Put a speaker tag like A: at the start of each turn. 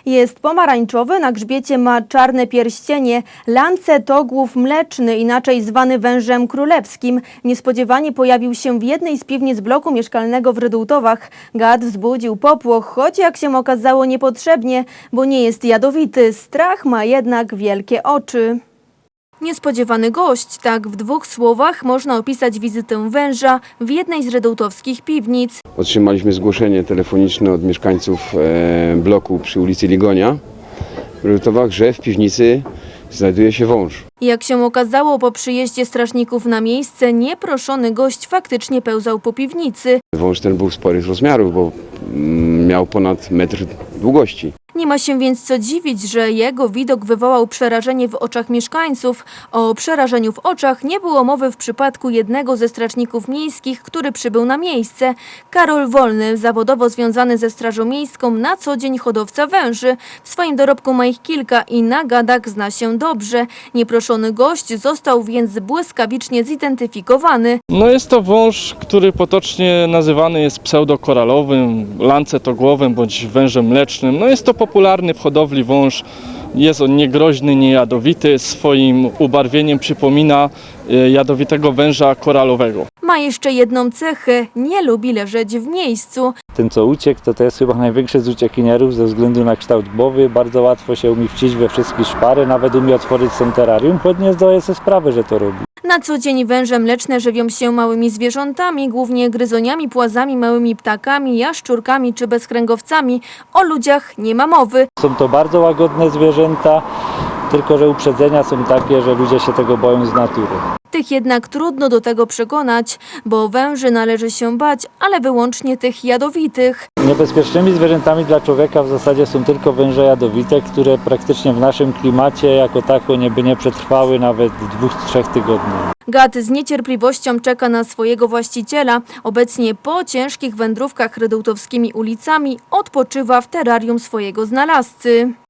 A: Jest pomarańczowy, na grzbiecie ma czarne pierścienie. Lancetogłów mleczny, inaczej zwany wężem królewskim, niespodziewanie pojawił się w jednej z piwnic bloku mieszkalnego w Rydułtowach. Gad wzbudził popłoch, choć jak się okazało niepotrzebnie, bo nie jest jadowity. Strach ma jednak wielkie oczy. Niespodziewany gość, tak w 2 słowach można opisać wizytę węża w jednej z rydułtowskich piwnic.
B: Otrzymaliśmy zgłoszenie telefoniczne od mieszkańców bloku przy ulicy Ligonia w Rydułtowach, że w piwnicy znajduje się wąż.
A: Jak się okazało, po przyjeździe strażników na miejsce nieproszony gość faktycznie pełzał po piwnicy.
B: Wąż ten był sporych rozmiarów, bo miał ponad metr długości.
A: Nie ma się więc co dziwić, że jego widok wywołał przerażenie w oczach mieszkańców. O przerażeniu w oczach nie było mowy w przypadku jednego ze strażników miejskich, który przybył na miejsce. Karol Wolny, zawodowo związany ze Strażą Miejską, na co dzień hodowca węży. W swoim dorobku ma ich kilka i na gadach zna się dobrze. Nieproszony gość został więc błyskawicznie zidentyfikowany.
C: No jest to wąż, który potocznie nazywany jest pseudokoralowym, lancetogłowym bądź wężem mlecznym. No jest to popularny w hodowli wąż. Jest on niegroźny, niejadowity. Swoim ubarwieniem przypomina jadowitego węża koralowego.
A: Ma jeszcze jedną cechę – nie lubi leżeć w miejscu.
D: Ten, co uciekł, to jest chyba największy z uciekinierów ze względu na kształt głowy. Bardzo łatwo się umie wcić we wszystkie szpary, nawet umie otworzyć terrarium, choć nie zdaje sobie sprawy, że to robi.
A: Na co dzień węże mleczne żywią się małymi zwierzętami, głównie gryzoniami, płazami, małymi ptakami, jaszczurkami czy bezkręgowcami. O ludziach nie ma mowy.
D: Są to bardzo łagodne zwierzęta, tylko że uprzedzenia są takie, że ludzie się tego boją z natury.
A: Tych jednak trudno do tego przekonać, bo węży należy się bać, ale wyłącznie tych jadowitych.
D: Niebezpiecznymi zwierzętami dla człowieka w zasadzie są tylko węże jadowite, które praktycznie w naszym klimacie jako tako nie przetrwały nawet 2-3 tygodni.
A: Gad z niecierpliwością czeka na swojego właściciela. Obecnie po ciężkich wędrówkach rydułtowskimi ulicami odpoczywa w terrarium swojego znalazcy.